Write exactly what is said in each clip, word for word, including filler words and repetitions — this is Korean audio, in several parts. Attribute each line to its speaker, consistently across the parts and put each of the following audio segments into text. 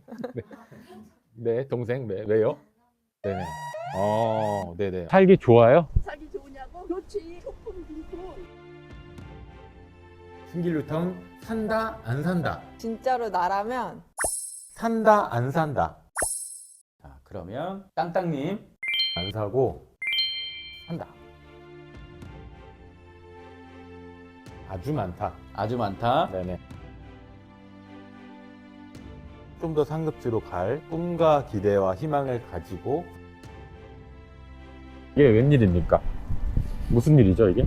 Speaker 1: 네. 네, 동생. 네, 왜요? 네네. 어, 네네. 살기 좋아요?
Speaker 2: 살기 좋으냐고? 좋지. 소품 빈손.
Speaker 1: 신길 뉴타운 산다 안 산다.
Speaker 3: 진짜로 나라면
Speaker 1: 산다 안 산다.
Speaker 4: 자, 그러면 땅땅님.
Speaker 1: 안 사고 산다. 아주 많다.
Speaker 4: 아주 많다.
Speaker 1: 네네. 좀 더 상급지로 갈 꿈과 기대와 희망을 가지고. 이게 웬일입니까? 무슨 일이죠 이게?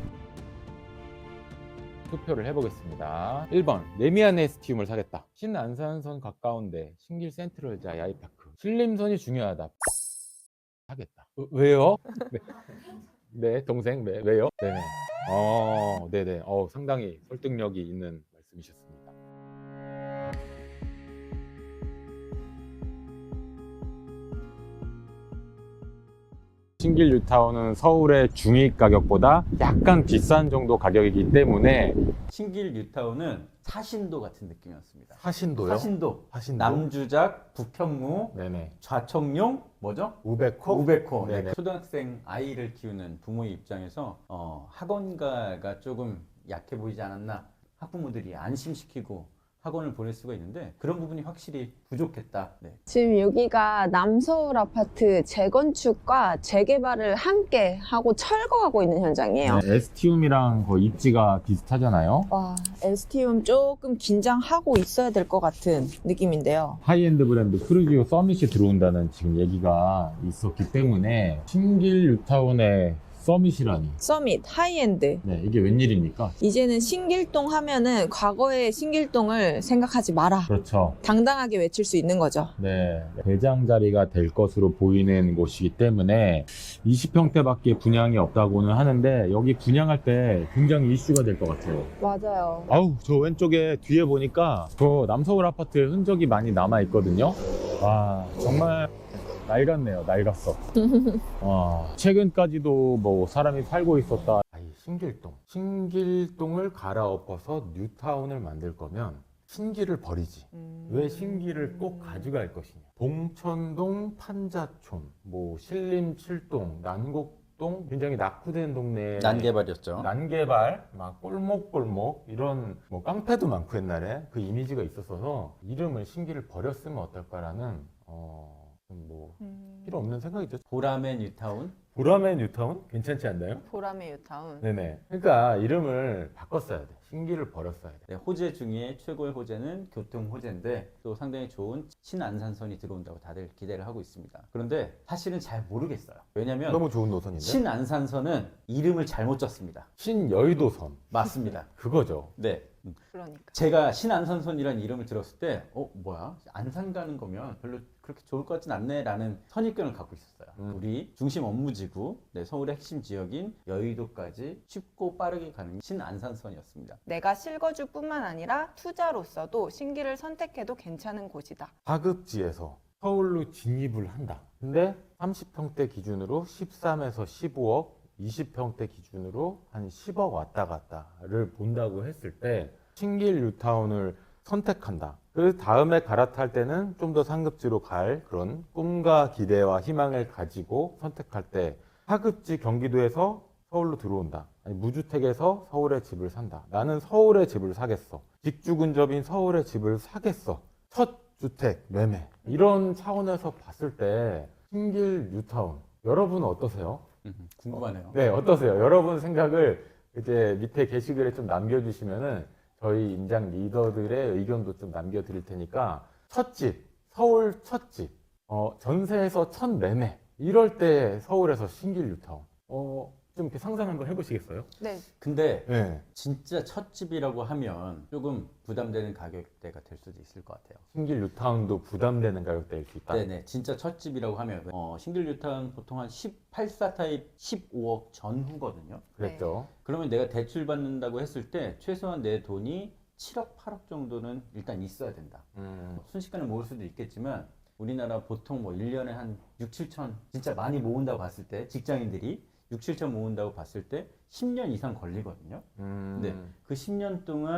Speaker 1: 투표를 해보겠습니다. 일 번 레미안에스티움을 사겠다. 신안산선 가까운데 신길 센트럴자 야이파크 신림선이 중요하다. 하겠다. 어, 왜요? 네. 네, 동생. 네, 왜요? 네네. 어, 네네. 어, 상당히 설득력이 있는 말씀이셨습니다. 신길 뉴타운은 서울의 중위 가격보다 약간 비싼 정도 가격이기 때문에.
Speaker 4: 신길 뉴타운은 사신도 같은 느낌이었습니다.
Speaker 1: 사신도요?
Speaker 4: 사신도.
Speaker 1: 사신도?
Speaker 4: 남주작, 북현무,
Speaker 1: 네네.
Speaker 4: 좌청룡, 뭐죠?
Speaker 1: 우백호?
Speaker 4: 우백호. 네.
Speaker 1: 네네.
Speaker 4: 초등학생 아이를 키우는 부모의 입장에서 어, 학원가가 조금 약해 보이지 않았나, 학부모들이 안심시키고 학원을 보낼 수가 있는데 그런 부분이 확실히 부족했다. 네.
Speaker 3: 지금 여기가 남서울 아파트 재건축과 재개발을 함께 하고 철거하고 있는 현장이에요.
Speaker 1: 네, 에스티움이랑 거의 입지가 비슷하잖아요.
Speaker 3: 와, 에스티움 조금 긴장하고 있어야 될 것 같은 느낌인데요.
Speaker 1: 하이엔드 브랜드 크루지오 서밋이 들어온다는 지금 얘기가 있었기 때문에 신길 뉴타운의 서밋이라니.
Speaker 3: 서밋, 하이엔드.
Speaker 1: 네, 이게 웬일입니까?
Speaker 3: 이제는 신길동 하면은 과거의 신길동을 생각하지 마라.
Speaker 1: 그렇죠.
Speaker 3: 당당하게 외칠 수 있는 거죠.
Speaker 1: 네, 대장 자리가 될 것으로 보이는 곳이기 때문에 이십 평대밖에 분양이 없다고는 하는데 여기 분양할 때 굉장히 이슈가 될 것 같아요.
Speaker 3: 맞아요.
Speaker 1: 아우, 저 왼쪽에 뒤에 보니까 저 남서울 아파트의 흔적이 많이 남아 있거든요. 와, 정말 낡았네요. 낡았어. 와, 최근까지도 뭐 사람이 팔고 있었다. 아이, 신길동. 신길동을 갈아엎어서 뉴타운을 만들 거면 신길을 버리지.
Speaker 3: 음...
Speaker 1: 왜 신길을 꼭 가져갈 것이냐. 봉천동, 판자촌, 뭐 신림 칠동, 난곡동, 굉장히 낙후된 동네에
Speaker 4: 난개발이었죠.
Speaker 1: 난개발, 막 꼴목꼴목 이런 뭐 깡패도 많고 옛날에 그 이미지가 있었어서 이름을 신길을 버렸으면 어떨까라는 어, 좀 뭐
Speaker 3: 음...
Speaker 1: 필요 없는 생각이죠.
Speaker 4: 보람의 뉴타운.
Speaker 1: 보람의 뉴타운 괜찮지 않나요?
Speaker 3: 보람의 유타운.
Speaker 1: 네네. 그러니까 이름을 바꿨어야 돼. 신길을 버렸어야 돼.
Speaker 4: 네, 호재 중에 최고의 호재는 교통 호재인데 또 상당히 좋은 신안산선이 들어온다고 다들 기대를 하고 있습니다. 그런데 사실은 잘 모르겠어요. 왜냐면
Speaker 1: 너무 좋은 노선인데.
Speaker 4: 신안산선은 이름을 잘못 썼습니다.
Speaker 1: 신여의도선.
Speaker 4: 맞습니다.
Speaker 1: 그거죠.
Speaker 4: 네.
Speaker 3: 그러니까.
Speaker 4: 제가 신안산선이라는 이름을 들었을 때 어? 뭐야? 안산 가는 거면 별로 그렇게 좋을 것 같진 않네 라는 선입견을 갖고 있었어요.
Speaker 1: 음.
Speaker 4: 우리 중심 업무지구, 네, 서울의 핵심 지역인 여의도까지 쉽고 빠르게 가는 신안산선이었습니다.
Speaker 3: 내가 실거주뿐만 아니라 투자로서도 신길을 선택해도 괜찮은 곳이다.
Speaker 1: 하급지에서 서울로 진입을 한다. 근데 삼십 평대 기준으로 십삼에서 십오억, 이십 평대 기준으로 한 십억 왔다 갔다를 본다고 했을 때 신길 뉴타운을 선택한다. 그 다음에 갈아탈 때는 좀 더 상급지로 갈 그런 꿈과 기대와 희망을 가지고 선택할 때 하급지 경기도에서 서울로 들어온다. 아니, 무주택에서 서울에 집을 산다. 나는 서울에 집을 사겠어. 직주 근접인 서울에 집을 사겠어. 첫 주택 매매. 이런 차원에서 봤을 때 신길 뉴타운 여러분은 어떠세요?
Speaker 4: 음, 궁금하네요.
Speaker 1: 네, 어떠세요? 여러분 생각을 이제 밑에 게시글에 좀 남겨주시면은 저희 임장 리더들의 의견도 좀 남겨드릴 테니까 첫 집, 서울 첫 집, 어, 전세에서 첫 매매 이럴 때 서울에서 신길 뉴타운 어, 좀 이렇게 상상 한번 해보시겠어요?
Speaker 3: 네.
Speaker 4: 근데
Speaker 1: 네.
Speaker 4: 진짜 첫 집이라고 하면 조금 부담되는 가격대가 될 수도 있을 것 같아요.
Speaker 1: 신길 뉴타운도 부담되는 가격대일 수 있다.
Speaker 4: 네네, 진짜 첫 집이라고 하면 어, 신길 뉴타운 보통 한 십팔 사 타입 십오억 전후거든요.
Speaker 1: 그랬죠.
Speaker 4: 그러면 내가 대출 받는다고 했을 때 최소한 내 돈이 칠억, 팔억 정도는 일단 있어야 된다.
Speaker 1: 음,
Speaker 4: 순식간에 모을 수도 있겠지만 우리나라 보통 뭐 일 년에 한 육, 칠천 진짜 많이 모은다고 봤을 때 직장인들이 육, 칠천 모은다고 봤을 때 십 년 이상 걸리거든요.
Speaker 1: 음,
Speaker 4: 네. 그 십 년 동안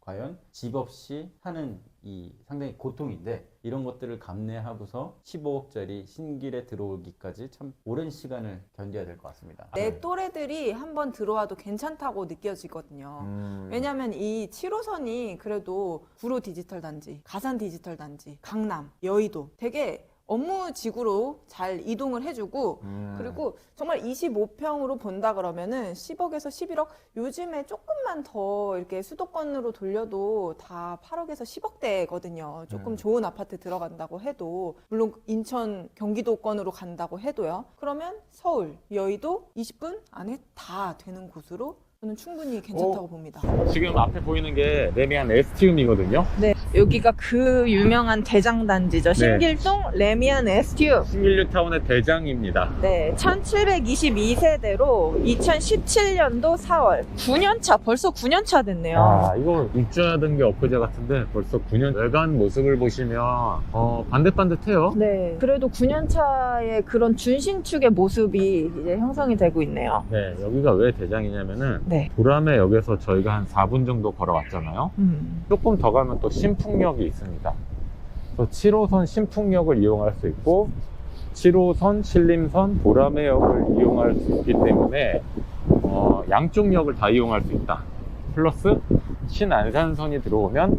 Speaker 4: 과연 집 없이 사는 이 상당히 고통인데 이런 것들을 감내하고서 십오억짜리 신길에 들어오기까지 참 오랜 시간을 견뎌야 될 것 같습니다.
Speaker 5: 내 또래들이 한번 들어와도 괜찮다고 느껴지거든요.
Speaker 1: 음.
Speaker 5: 왜냐하면 이 칠 호선이 그래도 구로 디지털 단지, 가산 디지털 단지, 강남, 여의도 되게 업무 지구로 잘 이동을 해주고
Speaker 1: 음.
Speaker 5: 그리고 정말 이십오 평으로 본다 그러면은 십억에서 십일억 요즘에 조금만 더 이렇게 수도권으로 돌려도 다 팔억에서 십억대거든요. 조금
Speaker 1: 음.
Speaker 5: 좋은 아파트 들어간다고 해도 물론 인천 경기도권으로 간다고 해도요. 그러면 서울, 여의도 이십 분 안에 다 되는 곳으로 저는 충분히 괜찮다고
Speaker 1: 어?
Speaker 5: 봅니다.
Speaker 1: 지금 앞에 보이는 게 레미안 에스티움이거든요.
Speaker 5: 네, 여기가 그 유명한 대장 단지죠. 신길동 레미안 에스티움.
Speaker 1: 신길뉴타운의 대장입니다.
Speaker 5: 네, 천칠백이십이 세대로 이천십칠 년도 사월 구 년 차, 벌써 구 년 차 됐네요.
Speaker 1: 아, 이거 입주하던 게 엊그제 같은데 벌써 구 년 외관 모습을 보시면 어, 반듯반듯해요.
Speaker 5: 네, 그래도 구 년 차의 그런 준신축의 모습이 이제 형성이 되고 있네요.
Speaker 1: 네, 여기가 왜 대장이냐면은
Speaker 5: 네.
Speaker 1: 보람의 역에서 저희가 한 사 분 정도 걸어왔잖아요.
Speaker 5: 음.
Speaker 1: 조금 더 가면 또 신풍역이 있습니다. 그래서 칠 호선 신풍역을 이용할 수 있고 칠 호선 신림선 보람의 역을 이용할 수 있기 때문에 어, 양쪽 역을 다 이용할 수 있다. 플러스 신안산선이 들어오면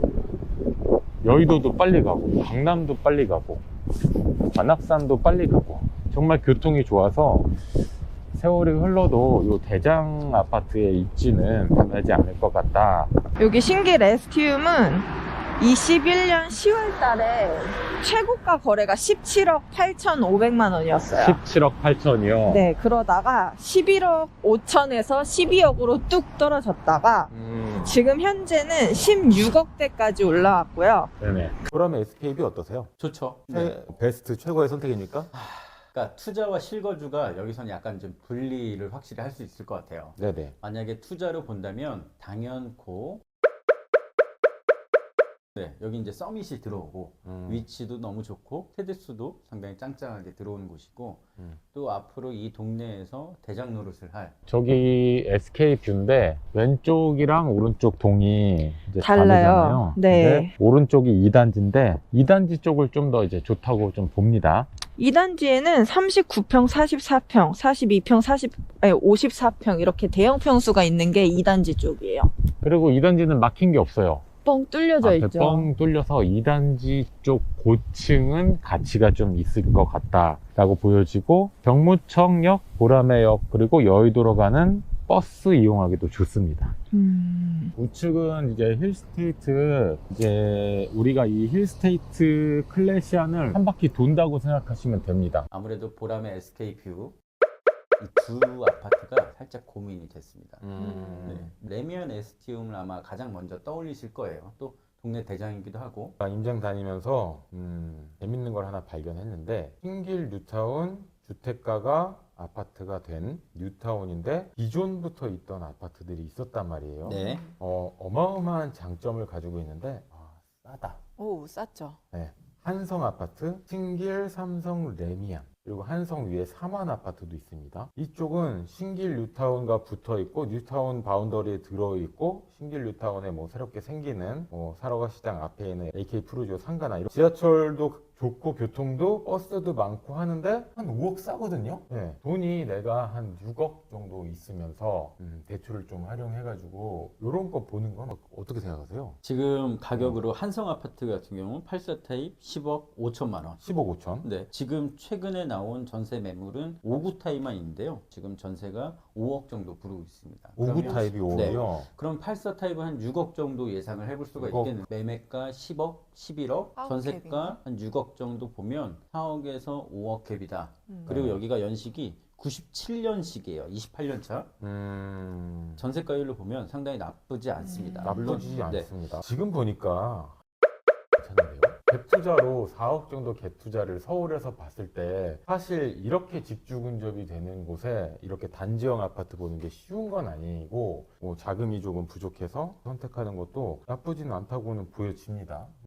Speaker 1: 여의도도 빨리 가고 강남도 빨리 가고 관악산도 빨리 가고 정말 교통이 좋아서 세월이 흘러도 이 대장 아파트의 입지는 변하지 않을 것 같다.
Speaker 5: 여기 신길 에스티움은 이십일 년 시월 달에 최고가 거래가 십칠억 팔천오백만 원이었어요.
Speaker 1: 십칠억 팔천이요.
Speaker 5: 네, 그러다가 십일억 오천에서 십이억으로 뚝 떨어졌다가
Speaker 1: 음,
Speaker 5: 지금 현재는 십육억대까지 올라왔고요.
Speaker 1: 네네. 그러면 에스케이비 어떠세요?
Speaker 4: 좋죠.
Speaker 1: 최, 베스트 최고의 선택입니까?
Speaker 4: 그러니까 투자와 실거주가 여기서는 약간 좀 분리를 확실히 할 수 있을 것 같아요.
Speaker 1: 네네.
Speaker 4: 만약에 투자로 본다면 당연코 네, 여기 이제 서밋이 들어오고
Speaker 1: 음.
Speaker 4: 위치도 너무 좋고 세대수도 상당히 짱짱하게 들어오는 곳이고
Speaker 1: 음.
Speaker 4: 또 앞으로 이 동네에서 대장 노릇을 할
Speaker 1: 저기 에스케이 뷰인데 왼쪽이랑 오른쪽 동이 이제
Speaker 5: 달라요.
Speaker 1: 다르잖아요.
Speaker 5: 네.
Speaker 1: 근데 오른쪽이 이 단지인데 이 단지 쪽을 좀 더 이제 좋다고 좀 봅니다.
Speaker 5: 이 단지에는 삼십구 평, 사십사 평, 사십이 평, 사십, 아니, 오십사 평 이렇게 대형 평수가 있는 게 이 단지 쪽이에요.
Speaker 1: 그리고 이 단지는 막힌 게 없어요.
Speaker 5: 뻥 뚫려져
Speaker 1: 앞에
Speaker 5: 있죠.
Speaker 1: 뻥 뚫려서 이 단지 쪽 고층은 가치가 좀 있을 것 같다라고 보여지고 병무청역, 보라매역 그리고 여의도로 가는 버스 이용하기도 좋습니다.
Speaker 5: 음.
Speaker 1: 우측은 이제 힐스테이트, 이제 우리가 이 힐스테이트 클래시안을 한 바퀴 돈다고 생각하시면 됩니다.
Speaker 4: 아무래도 보람의 에스케이 뷰 이 두 아파트가 살짝 고민이 됐습니다. 네. 레미안 에스티움을 아마 가장 먼저 떠올리실 거예요. 또 동네 대장이기도 하고.
Speaker 1: 임장 다니면서 음, 재밌는 걸 하나 발견했는데 신길 뉴타운 주택가가 아파트가 된 뉴타운인데 기존부터 있던 아파트들이 있었단 말이에요.
Speaker 4: 네.
Speaker 1: 어, 어마어마한 장점을 가지고 있는데 아, 싸다.
Speaker 5: 오, 쌌죠.
Speaker 1: 네. 한성 아파트, 신길 삼성 레미안, 그리고 한성 위에 삼환 아파트도 있습니다. 이쪽은 신길 뉴타운과 붙어 있고 뉴타운 바운더리에 들어 있고 신길 뉴타운에 뭐 새롭게 생기는 뭐 사러가 시장 앞에 있는 에이케이 프루지오 상가나 이런 지하철도 좋고 교통도 버스도 많고 하는데 한 오억 싸거든요. 네. 돈이 내가 한 육억 정도 있으면서 음, 대출을 좀 활용해가지고 이런 거 보는 건 어- 어떻게 생각하세요?
Speaker 4: 지금 가격으로 한성 아파트 같은 경우는 팔 사 타입 십억 오천만 원.
Speaker 1: 십억 오천.
Speaker 4: 네, 지금 최근에 나온 전세 매물은 오 구 타입만 있는데요. 지금 전세가 오억 정도 부르고 있습니다.
Speaker 1: 오 구
Speaker 4: 그러면-
Speaker 1: 타입이
Speaker 4: 네,
Speaker 1: 오억이요.
Speaker 4: 그럼 팔 사 타입은 한 육억 정도 예상을 해볼 수가
Speaker 1: 육억.
Speaker 4: 있겠네요. 매매가 십억, 십일억,
Speaker 5: 사억
Speaker 4: 전세가
Speaker 5: 갭인가?
Speaker 4: 한 육억 정도 보면 사억에서 오억 갭이다.
Speaker 5: 음.
Speaker 4: 그리고
Speaker 1: 네.
Speaker 4: 여기가 연식이 구십칠 년식이에요. 이십팔 년 차.
Speaker 1: 음...
Speaker 4: 전세가율로 보면 상당히 나쁘지 않습니다.
Speaker 5: 음.
Speaker 4: 물론,
Speaker 1: 나쁘지
Speaker 4: 네.
Speaker 1: 않습니다. 지금 보니까 괜찮은데요? 갭 투자로 사억 정도 갭 투자를 서울에서 봤을 때 사실 이렇게 집주 근접이 되는 곳에 이렇게 단지형 아파트 보는 게 쉬운 건 아니고 뭐 자금이 조금 부족해서 선택하는 것도 나쁘지는 않다고는 보여집니다.